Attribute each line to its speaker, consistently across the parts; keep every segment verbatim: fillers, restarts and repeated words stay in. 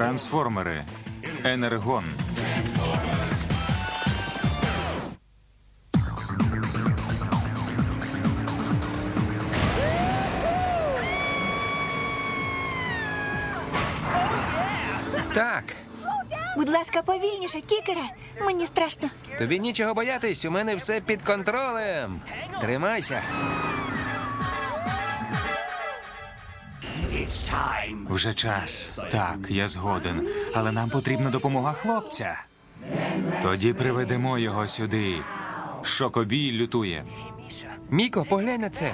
Speaker 1: Трансформери. Енергон.
Speaker 2: Так,
Speaker 3: Будь ласка, повільніше, кікере. Мені страшно.
Speaker 2: тобі нічого боятись, у мене все під контролем. Тримайся.
Speaker 1: Вже час. Так, я згоден. Але нам потрібна допомога хлопця. Тоді приведемо його сюди. Шокобій лютує.
Speaker 2: Міко, поглянь на це.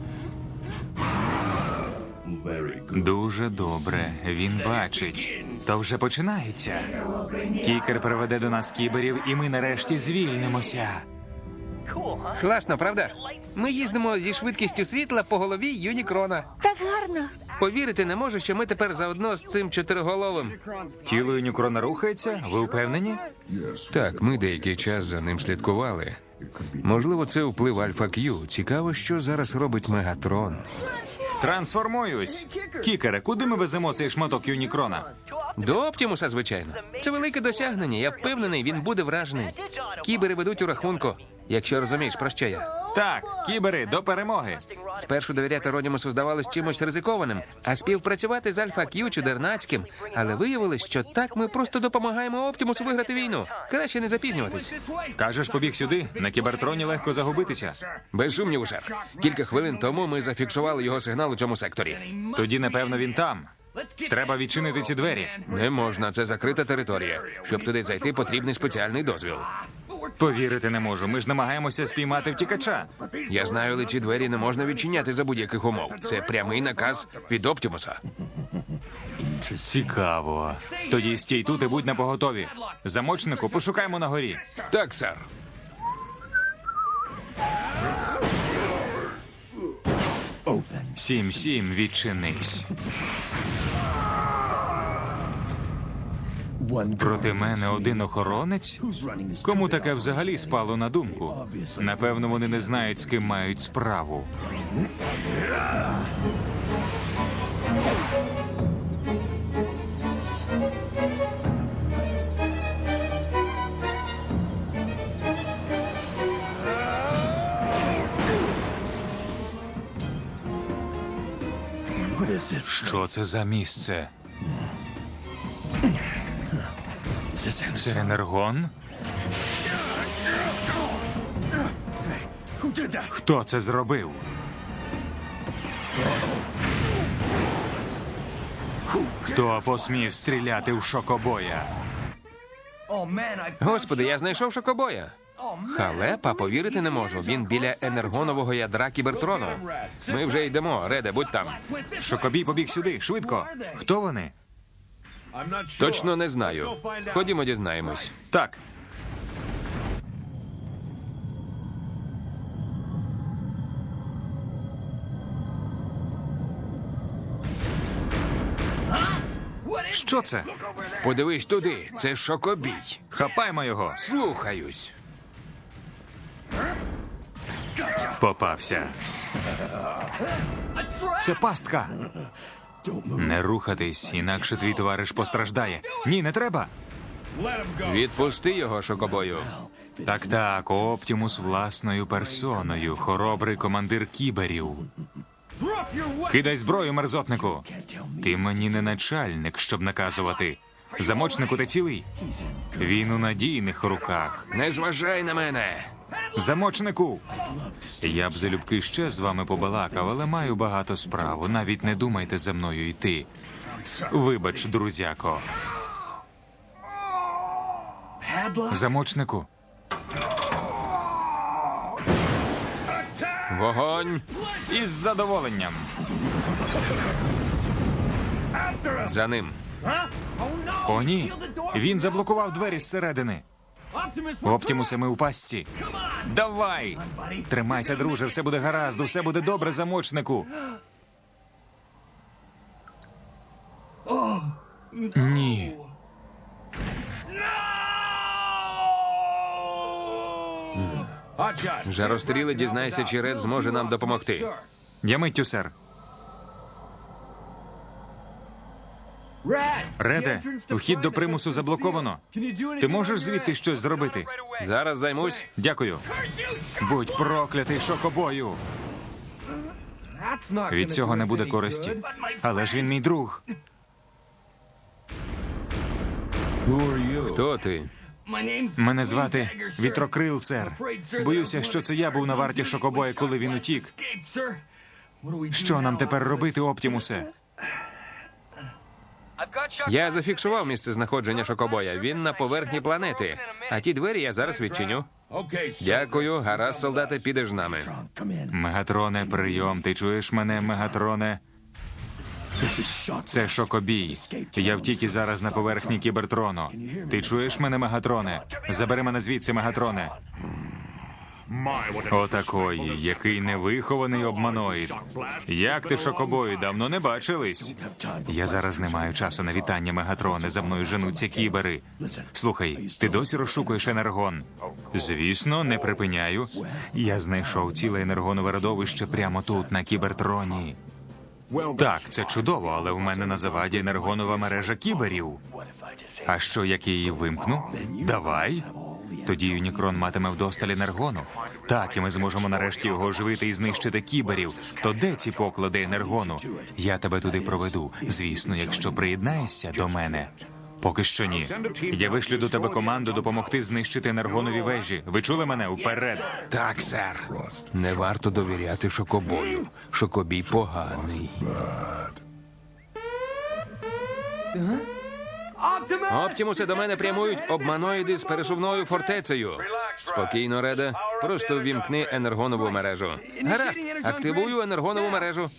Speaker 1: Дуже добре. Він бачить. То вже починається. Кікер приведе до нас кіберів, і ми нарешті звільнимося.
Speaker 2: Класно, правда? Ми їздимо зі швидкістю світла по голові Юнікрона.
Speaker 3: Так гарно.
Speaker 2: Повірити не можу, що ми тепер заодно з цим чотириголовим.
Speaker 1: Тіло Юнікрона рухається? Ви впевнені?
Speaker 2: Так, ми деякий час за ним слідкували. Можливо, це вплив Альфа Кью. Цікаво, що зараз робить Мегатрон.
Speaker 1: Трансформуюсь. Кікере, куди ми веземо цей шматок Юнікрона?
Speaker 2: До Оптімуса, звичайно. Це велике досягнення. Я впевнений, він буде вражений. Кібери ведуть у рахунку, якщо розумієш, про що я.
Speaker 1: Так, кібери, до перемоги.
Speaker 2: Спершу довіряти Родімусу здавалось чимось ризикованим, а співпрацювати з Альфа Кью чудернацьким. Але виявилось, що так ми просто допомагаємо Оптімусу виграти війну. Краще не запізнюватись.
Speaker 1: Кажеш, побіг сюди? На кібертроні легко загубитися.
Speaker 2: Без сумніву, сер. Кілька хвилин тому ми зафіксували його сигнал у цьому секторі.
Speaker 1: Тоді, напевно, він там. Треба відчинити ці двері.
Speaker 2: Не можна, це закрита територія. Щоб туди зайти, потрібний спеціальний дозвіл.
Speaker 1: Повірити не можу. Ми ж намагаємося спіймати втікача.
Speaker 2: Я знаю, але ці двері не можна відчиняти за будь-яких умов. Це прямий наказ від Оптімуса.
Speaker 1: Цікаво. Тоді стій тут і будь напоготові. Замочнику пошукаємо на горі.
Speaker 2: Так, сер.
Speaker 1: Сім-сім, відчинись. Проти мене один охоронець? Кому таке взагалі спало на думку? Напевно, вони не знають, з ким мають справу. Що це за місце? Це енергон? Хто це зробив? Хто посмів стріляти в шокобоя?
Speaker 2: Господи, я знайшов шокобоя. Халепа, повірити не можу. Він біля енергонового ядра кібертрону. Ми вже йдемо. Реде, будь там.
Speaker 1: Шокобій побіг сюди, швидко. Хто вони?
Speaker 2: Точно не знаю. Ходімо, дізнаємось.
Speaker 1: Так. Що це?
Speaker 2: Подивись туди. Це шокобій.
Speaker 1: Хапаймо його.
Speaker 2: Слухаюсь.
Speaker 1: Попався. Це пастка. Не рухатись, інакше твій товариш постраждає. Ні, не треба.
Speaker 2: Відпусти його, шокобою.
Speaker 1: Так, так, Оптімус власною персоною, хоробрий командир кіберів. Кидай зброю, мерзотнику. Ти мені не начальник, щоб наказувати. Замочнику, ти цілий. Він у надійних руках.
Speaker 2: Не зважай на мене.
Speaker 1: Замочнику! Я б залюбки ще з вами побалакав, але маю багато справ. Навіть не думайте за мною йти. Вибач, друзяко. Замочнику.
Speaker 2: Вогонь.
Speaker 1: Із задоволенням.
Speaker 2: За ним.
Speaker 1: О, ні. Він заблокував двері зсередини. Оптімусе, ми у пастці. Давай! Тримайся, друже, все буде гаразд, усе буде добре, замочнику. Ні.
Speaker 2: Жаростріле, дізнайся, чи Ред зможе нам допомогти.
Speaker 1: Я миттю, сер. Реде, вхід до примусу заблоковано. Ти можеш звідти щось зробити?
Speaker 2: Зараз займусь.
Speaker 1: Дякую. Будь проклятий, шокобою. Від цього не буде користі. Але ж він мій друг.
Speaker 2: Хто ти?
Speaker 1: Мене звати Вітрокрил, сер. Боюся, що це я був на варті шокобоя, коли він утік. Що нам тепер робити, Оптімусе?
Speaker 2: Я зафіксував місце знаходження шокобоя. Він на поверхні планети. А ті двері я зараз відчиню. Дякую, гаразд, солдати, підеш з нами.
Speaker 1: Мегатроне, прийом. Ти чуєш мене, Мегатроне? Це шокобій. Я втік і зараз на поверхні Кібертрону. Ти чуєш мене, Мегатроне? Забери мене звідси, Мегатроне. Отакої, який невихований обманоїд. Як ти, шокобою, давно не бачились? Я зараз не маю часу на вітання, Мегатроне. За мною женуться кібери. Слухай, ти досі розшукуєш енергон? Звісно, не припиняю. Я знайшов ціле енергонове родовище прямо тут, на Кібертроні. Так, це чудово, але в мене на заваді енергонова мережа кіберів. А що, як я її вимкну? Давай. Тоді Юнікрон матиме вдосталь енергону. Так, і ми зможемо нарешті його оживити і знищити кіберів. То де ці поклади енергону? Я тебе туди проведу. Звісно, якщо приєднаєшся до мене. Поки що ні. Я вишлю до тебе команду допомогти знищити енергонові вежі. Ви чули мене? Вперед!
Speaker 2: Так, сер. Не варто довіряти шокобою. Шокобій поганий. Оптімусе, до мене прямують обманоїди з пересувною фортецею. Спокійно, Реде. Просто ввімкни енергонову мережу. Гаразд, активую енергонову мережу.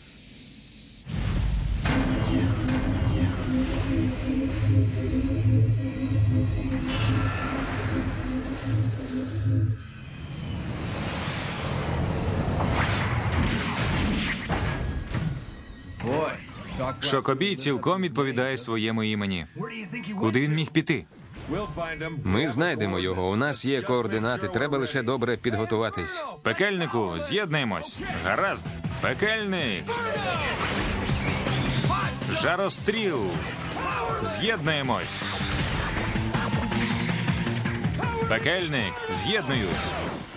Speaker 1: Шокобій цілком відповідає своєму імені. Куди він міг піти?
Speaker 2: Ми знайдемо його. У нас є координати. Треба лише добре підготуватись.
Speaker 1: Пекельнику, з'єднаємось. Гаразд. Пекельник. Жаростріл. З'єднаємось. Пекельник, з'єднуюсь.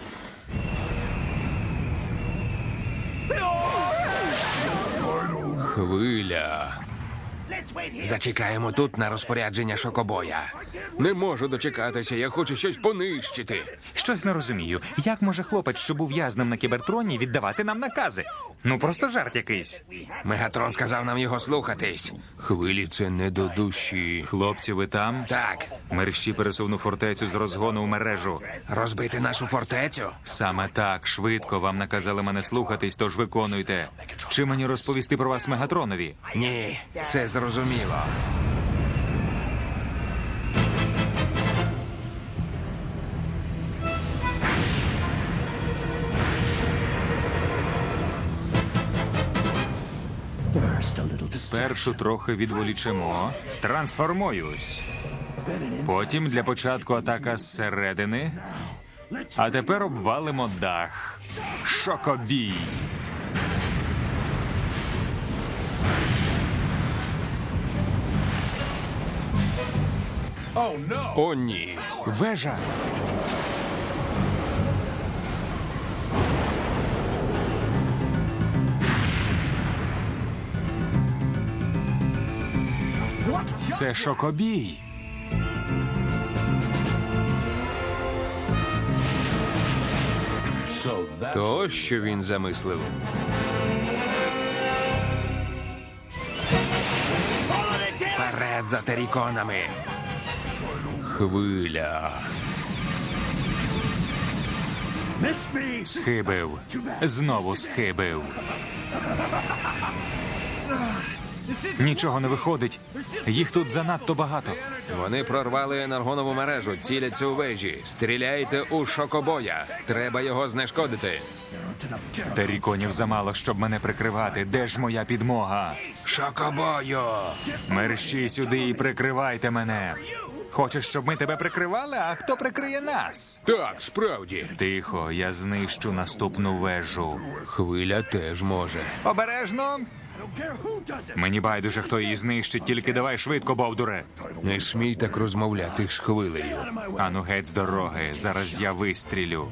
Speaker 2: Хвиля. Зачекаємо тут на розпорядження шокобоя. Не можу дочекатися, я хочу щось понищити.
Speaker 1: Щось не розумію. Як може хлопець, що був в'язнем на Кібертроні, віддавати нам накази? Ну, просто жарт якийсь.
Speaker 2: Мегатрон сказав нам його слухатись. Хвилі це не до душі.
Speaker 1: Хлопці, ви там?
Speaker 2: Так,
Speaker 1: Мерщі пересувну фортецю з розгону в мережу.
Speaker 2: розбити нашу фортецю?
Speaker 1: Саме так, швидко. Вам наказали мене слухатись, тож виконуйте. Чи мені розповісти про вас Мегатронові?
Speaker 2: Ні, це зрозуміло.
Speaker 1: Спершу трохи відволічемо. Трансформуюсь. Потім для початку атака зсередини. А тепер обвалимо дах. Шокобій.
Speaker 2: О, ні.
Speaker 1: Вежа. Це шокобій.
Speaker 2: То, що він замислив. Вперед за теріконами. Хвиля.
Speaker 1: Схибив. Знову схибив. Нічого не виходить. Їх тут занадто багато.
Speaker 2: Вони прорвали енергонову мережу, ціляться у вежі. Стріляйте у шокобоя. Треба його знешкодити.
Speaker 1: Теріконів замало, щоб мене прикривати. Де ж моя підмога?
Speaker 2: Шокобою!
Speaker 1: Мерщій сюди і прикривайте мене. Хочеш, щоб ми тебе прикривали? А хто прикриє нас?
Speaker 2: Так, справді.
Speaker 1: Тихо, я знищу наступну вежу.
Speaker 2: Хвиля теж може.
Speaker 1: Обережно. Мені байдуже, хто її знищить, тільки давай швидко, бовдуре.
Speaker 2: Не смій так розмовляти з хвилею.
Speaker 1: Ану геть з дороги, зараз я вистрілю.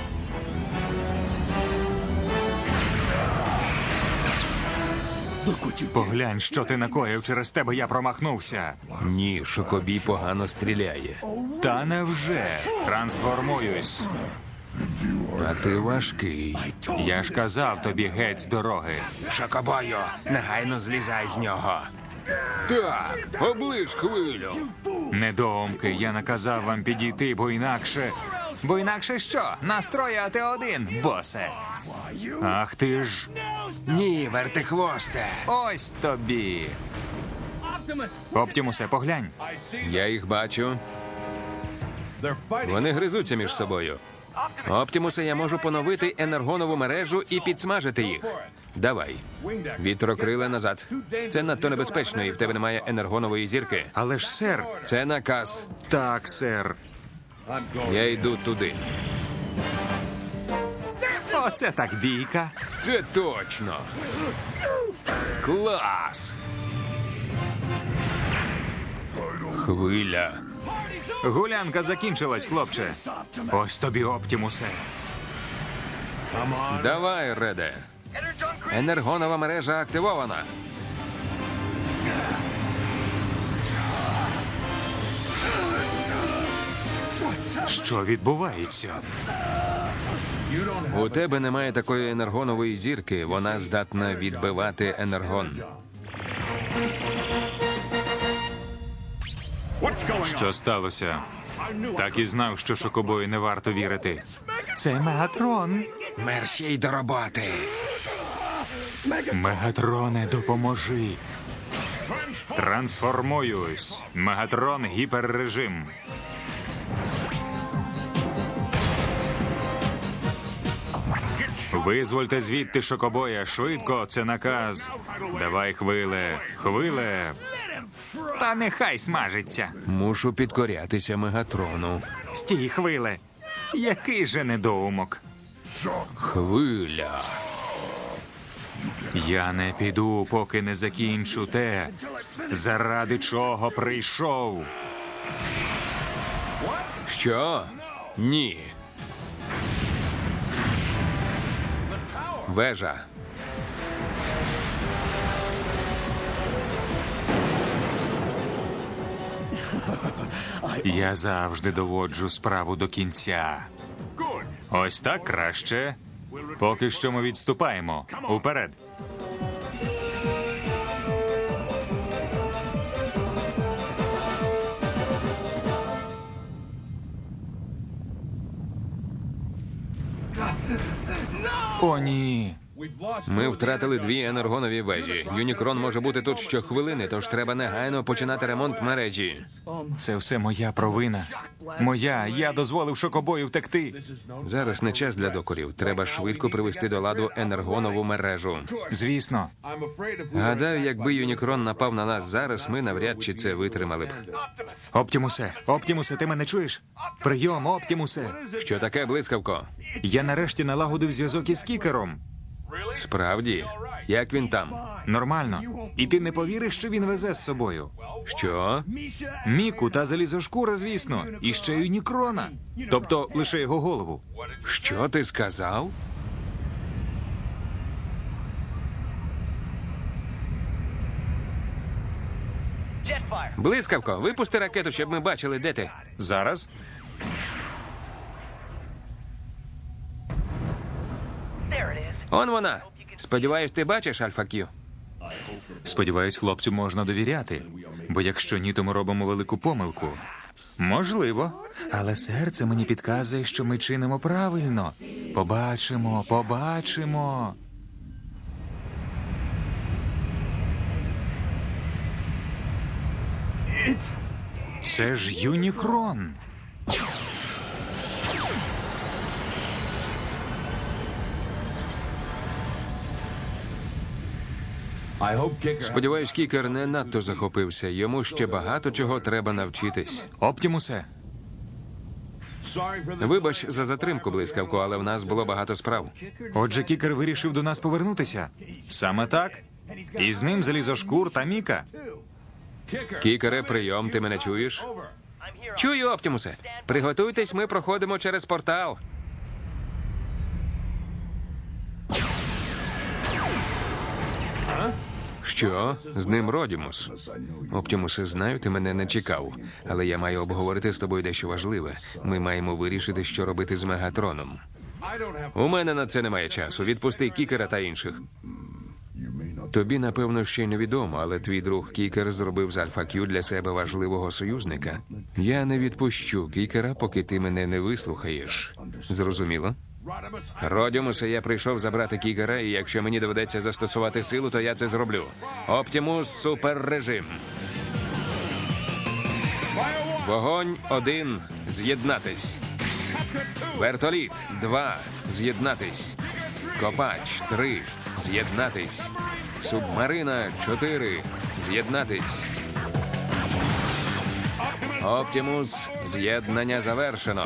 Speaker 1: Поглянь, що ти накоїв, через тебе я промахнувся.
Speaker 2: Ні, Шокобій погано стріляє.
Speaker 1: Та невже? Трансформуюсь.
Speaker 2: А ти важкий.
Speaker 1: Я ж казав тобі геть з дороги.
Speaker 2: Шокобою, негайно злізай з нього. Так, оближ хвилю.
Speaker 1: Недоумки, я наказав вам підійти, бо інакше... Бо інакше що? Настрої а ти один, босе. Ах ти ж...
Speaker 2: Ні, вертихвосте.
Speaker 1: Ось тобі. Оптімусе, поглянь.
Speaker 2: Я їх бачу. Вони гризуться між собою. Оптімусе, я можу поновити енергонову мережу і підсмажити їх. Давай. Вітрокриле назад. Це надто небезпечно, і в тебе немає енергонової зірки.
Speaker 1: Але ж, сер...
Speaker 2: Це наказ.
Speaker 1: Так, сер.
Speaker 2: Я йду туди.
Speaker 1: Оце так бійка.
Speaker 2: Це точно. Клас. Хвиля.
Speaker 1: Гулянка закінчилась, хлопче. Ось тобі, Оптімусе.
Speaker 2: Давай, Реде. Енергонова мережа активована.
Speaker 1: Що відбувається?
Speaker 2: У тебе немає такої енергонової зірки. Вона здатна відбивати енергон.
Speaker 1: Що сталося? Так і знав, що Шокобою не варто вірити. Це Мегатрон.
Speaker 2: Мерщій до роботи.
Speaker 1: Мегатроне, допоможи. Трансформуюсь. Мегатрон гіперрежим. Визвольте звідти Шокобоя. Швидко, це наказ. Давай, хвиле. Хвиле. Та нехай смажиться.
Speaker 2: Мушу підкорятися Мегатрону.
Speaker 1: Стій, хвиле. Який же недоумок.
Speaker 2: Хвиля.
Speaker 1: Я не піду, поки не закінчу те, заради чого прийшов.
Speaker 2: Що? Ні. Вежа.
Speaker 1: Я завжди доводжу справу до кінця. Ось так краще. Поки що ми відступаємо. Уперед. О, ні.
Speaker 2: Ми втратили дві енергонові вежі. Юнікрон може бути тут щохвилини, тож треба негайно починати ремонт мережі.
Speaker 1: Це все моя провина. Моя. Я дозволив Шокобою втекти.
Speaker 2: Зараз не час для докорів. Треба швидко привести до ладу енергонову мережу.
Speaker 1: Звісно.
Speaker 2: Гадаю, якби Юнікрон напав на нас зараз, ми навряд чи це витримали б.
Speaker 1: Оптімусе, Оптімусе, ти мене чуєш? Прийом, Оптімусе.
Speaker 2: Що таке, блискавко?
Speaker 1: Я нарешті налагодив зв'язок із Кікером.
Speaker 2: Справді? Як він там?
Speaker 1: Нормально. І ти не повіриш, що він везе з собою?
Speaker 2: Що?
Speaker 1: Міку та залізошкура, звісно. І ще Юнікрона. Тобто лише його голову.
Speaker 2: Що ти сказав? Блискавко, випусти ракету, щоб ми бачили, де ти.
Speaker 1: Зараз?
Speaker 2: Он вона. Сподіваюсь, ти бачиш, Альфа Кью?
Speaker 1: Сподіваюсь, хлопцю можна довіряти. Бо якщо ні, то ми робимо велику помилку. Можливо. Але серце мені підказує, що ми чинимо правильно. Побачимо, побачимо. Це ж Юнікрон.
Speaker 2: Сподіваюсь, Кікер не надто захопився. Йому ще багато чого треба навчитись.
Speaker 1: Оптімусе,
Speaker 2: Вибач за затримку, блискавко, але в нас було багато справ.
Speaker 1: отже, Кікер вирішив до нас повернутися. Саме так? І з ним залізошкур та Міка.
Speaker 2: Кікере, прийом, ти мене чуєш? Чую, Оптімусе. Приготуйтесь, ми проходимо через портал. Що? З ним Родімус. Оптімусе, знаю, ти мене не чекав. Але я маю обговорити з тобою дещо важливе. Ми маємо вирішити, що робити з Мегатроном. У мене на це немає часу. Відпусти Кікера та інших. Тобі, напевно, ще невідомо, але твій друг Кікер зробив з Альфа Кью для себе важливого союзника. Я не відпущу Кікера, поки ти мене не вислухаєш. Зрозуміло? Родімусе, я прийшов забрати Кікера, і якщо мені доведеться застосувати силу, то я це зроблю. Оптімус суперрежим. Вогонь один. З'єднатись. Вертоліт два. З'єднатись. Копач три. З'єднатись. Субмарина чотири. З'єднатись. Оптімус. З'єднання завершено.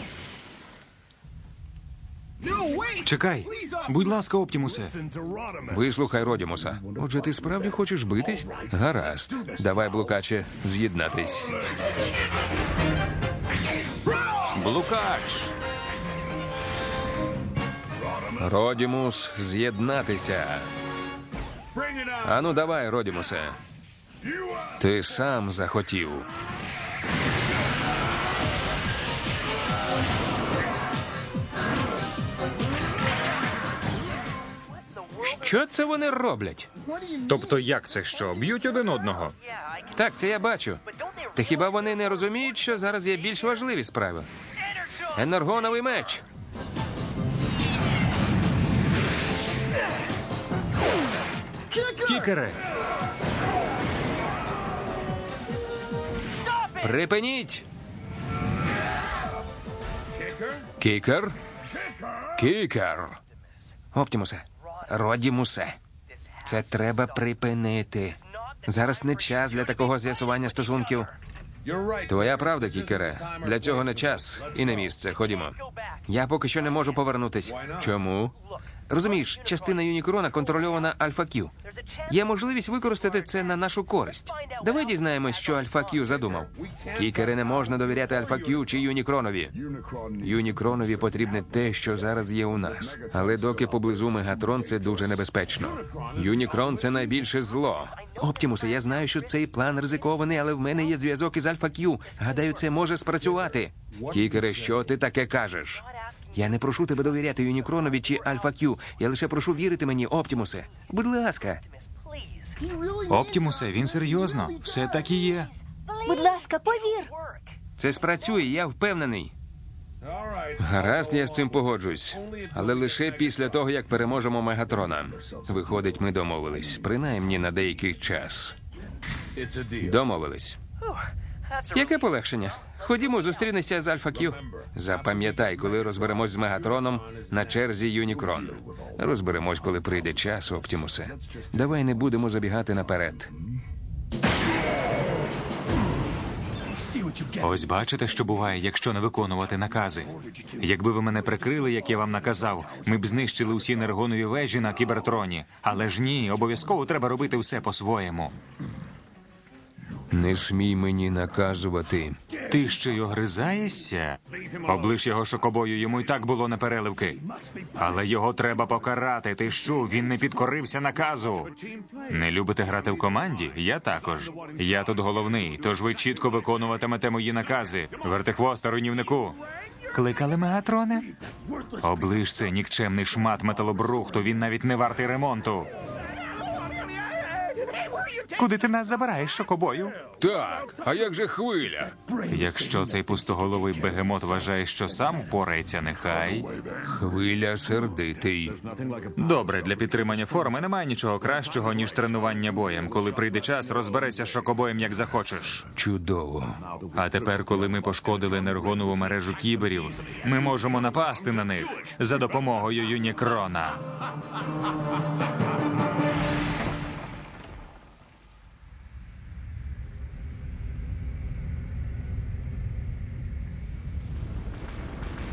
Speaker 1: Чекай. Будь ласка, Оптімусе.
Speaker 2: Вислухай Родімуса. Отже, ти справді хочеш битись? Гаразд. Давай, блукаче, з'єднатись.
Speaker 1: Блукач.
Speaker 2: Родімус, з'єднатися. Ану, давай, Родімусе. Ти сам захотів. Що це вони роблять?
Speaker 1: Тобто як це що? Б'ють один одного?
Speaker 2: Так, це я бачу. Та хіба вони не розуміють, що зараз є більш важливі справи? Енергоновий меч.
Speaker 1: Кікере.
Speaker 2: Припиніть! Кікер? Кікер! Оптімусе, Родімусе, це треба припинити. Зараз не час для такого з'ясування стосунків. Твоя правда, Кікере. Для цього не час і не місце. Ходімо. Я поки що не можу повернутись. Чому? Розумієш, частина Юнікрона контрольована Альфа Кью. Є можливість використати це на нашу користь. Давай дізнаємось, що Альфа Кью задумав. Кікери, не можна довіряти Альфа Кью чи Юнікронові. Юнікронові потрібне те, що зараз є у нас. Але доки поблизу Мегатрон, це дуже небезпечно. Юнікрон – це найбільше зло. Оптімусе, я знаю, що цей план ризикований, але в мене є зв'язок із Альфа Кью. Гадаю, це може спрацювати. Кікере, що ти таке кажеш? Я не прошу тебе довіряти Юнікронові чи Альфа Кью. Я лише прошу вірити мені, Оптімусе. Будь ласка.
Speaker 1: Оптімусе, він серйозно. Все так і є.
Speaker 3: Будь ласка, повір.
Speaker 2: Це спрацює, я впевнений. Гаразд, я з цим погоджуюсь. Але лише після того, як переможемо Мегатрона. Виходить, ми домовились. Принаймні на деякий час. Домовились. Яке полегшення? Ходімо, зустрінемося з Альфа Кью. Запам'ятай, коли розберемось з Мегатроном, на черзі Юнікрон. Розберемось, коли прийде час, Оптімусе. Давай не будемо забігати наперед.
Speaker 1: Ось бачите, що буває, якщо не виконувати накази. Якби ви мене прикрили, як я вам наказав, ми б знищили усі енергонові вежі на Кібертроні. Але ж ні, обов'язково треба робити все по-своєму.
Speaker 2: Не смій мені наказувати.
Speaker 1: Ти ще й огризаєшся? Облиш його шокобою, йому й так було непереливки. Але його треба покарати. Ти що, він не підкорився наказу? Не любите грати в команді? Я також. Я тут головний, тож ви чітко виконуватимете мої накази. Вертихвоста, руйнівнику. Кликали Мегатроне? Оближ цей нікчемний шмат металобрухту, він навіть не вартий ремонту. Куди ти нас забираєш, шокобою?
Speaker 2: Так, а як же хвиля?
Speaker 1: Якщо цей пустоголовий бегемот вважає, що сам впорається, нехай.
Speaker 2: Хвиля сердитий.
Speaker 1: Добре, для підтримання форми немає нічого кращого, ніж тренування боєм. Коли прийде час, розберешся з шокобоєм, як захочеш.
Speaker 2: Чудово.
Speaker 1: А тепер, коли ми пошкодили енергонову мережу кіберів, ми можемо напасти на них за допомогою Юнікрона.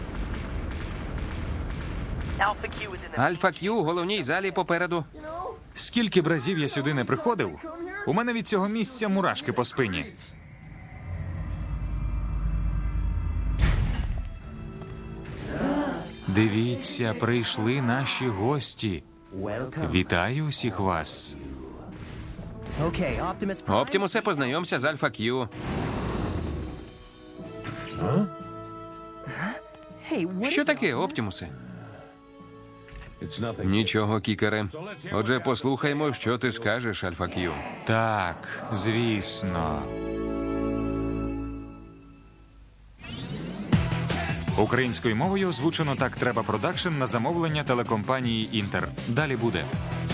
Speaker 2: Альфа Кью у головній залі попереду.
Speaker 1: Скільки б разів я сюди не приходив, у мене від цього місця мурашки по спині. Дивіться, прийшли наші гості. Вітаю усіх вас.
Speaker 2: Оптімусе, познайомся з Альфа Кью. Що таке, Оптімусе? Нічого, Кікере. Отже, послухаймо, що ти скажеш, Альфа Кью.
Speaker 1: Так, звісно. Українською мовою озвучено «Так треба продакшн» на замовлення телекомпанії «Інтер». Далі буде.